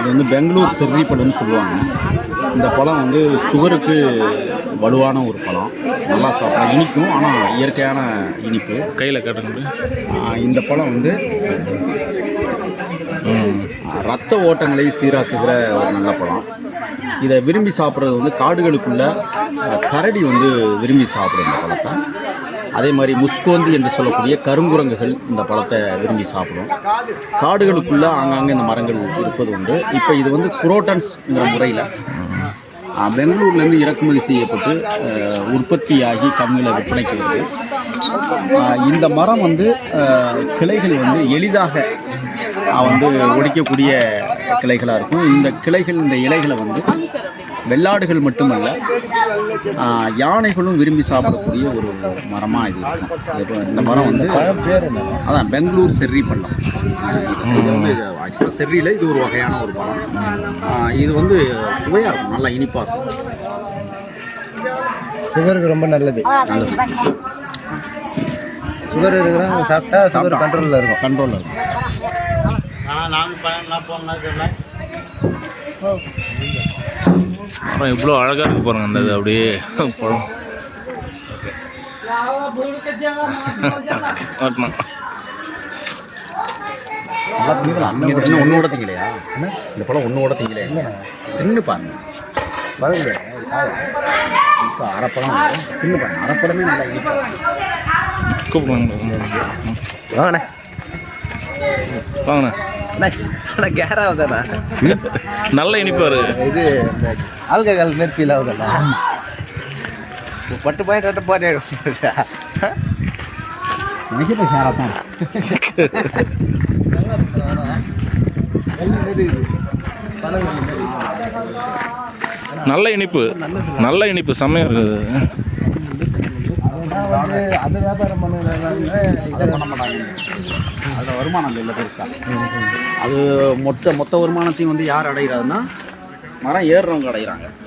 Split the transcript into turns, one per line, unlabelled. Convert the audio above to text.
இது வந்து பெங்களூர் செர்ரி பழம்னு சொல்லுவாங்க. இந்த பழம் வந்து சுகருக்கு வலுவான ஒரு பழம். நல்லா சாப்பிடலாம், இனிக்கும். ஆனால் இயற்கையான இனிப்பு.
கையில் காட்டுங்க.
இந்த பழம் வந்து ரத்த ஓட்டங்களை சீராக்குகிற ஒரு நல்ல பழம். இதை விரும்பி சாப்பிட்றது வந்து காடுகளுக்குள்ள கரடி வந்து விரும்பி சாப்பிடும் இந்த பழத்தை. அதே மாதிரி முஸ்கோந்தி என்று சொல்லக்கூடிய கருங்குரங்குகள் இந்த பழத்தை விரும்பி சாப்பிடும். காடுகளுக்குள்ளே ஆங்காங்கே இந்த மரங்கள் இருப்பது உண்டு. இப்போ இது வந்து குரோட்டன்ஸ்ங்கிற முறையில் பெங்களூர்லேருந்து இறக்குமதி செய்யப்பட்டு உற்பத்தியாகி கம்மியில் விற்பனைக்கு வருது. இந்த மரம் வந்து கிளைகள் வந்து எளிதாக வந்து ஒடிக்கக்கூடிய கிளைகளாக இருக்கும். இந்த கிளைகள், இந்த இலைகளை வந்து வெள்ளாடுகள் மட்டுமல்ல, யானைகளும் விரும்பி சாப்பிடக்கூடிய ஒரு மரமாக இது இருக்கும். இந்த மரம் வந்து அதான் பெங்களூர் செர்ரி பழம். இது வந்து ஆக்சுவலாக செர்ரியில் இது ஒரு வகையான ஒரு பழம். இது வந்து சுவையாக இருக்கும், நல்லா இனிப்பாக இருக்கும்.
சுகருக்கு ரொம்ப நல்லது. சுகர் இருக்கிறவங்க சாப்பிட்டா சுகர் கண்ட்ரோலில் இருக்கும்.
அப்புறம் இவ்வளோ அழகாக இருக்கு பாருங்க அந்த இது அப்படியே பழம்.
ஒன்று கூட திங்கலையா? இந்த பழம் ஒன்று கூட திங்கலையா? தின்னு பாருங்க. இப்போ அரைப்பழம் தின்னு பாருங்க. அரைப்பழமே நல்லா
கூப்பிடுவாங்க.
வாங்கண்ணே
வாங்கண்ணே.
அண்ணா கேர் ஆகுதாண்ணா?
நல்ல இனிப்பாக இருக்குது.
இது இந்த ஆல்கஹால் மாரி ஃபீல் ஆகுதுண்ணா. பட்டு பாயிண்ட் போட்டே
நல்ல இனிப்பு, நல்ல இனிப்பு, செம்மையாக இருக்குது.
அது வியாபாரம்
பண்ண மாட்டாங்க. அதில் வருமானம் இல்லை பெருசாக. அது மொத்த வருமானத்தையும் வந்து யார் அடைகிறாருன்னா மரம் ஏறுறவங்க அடைகிறாங்க.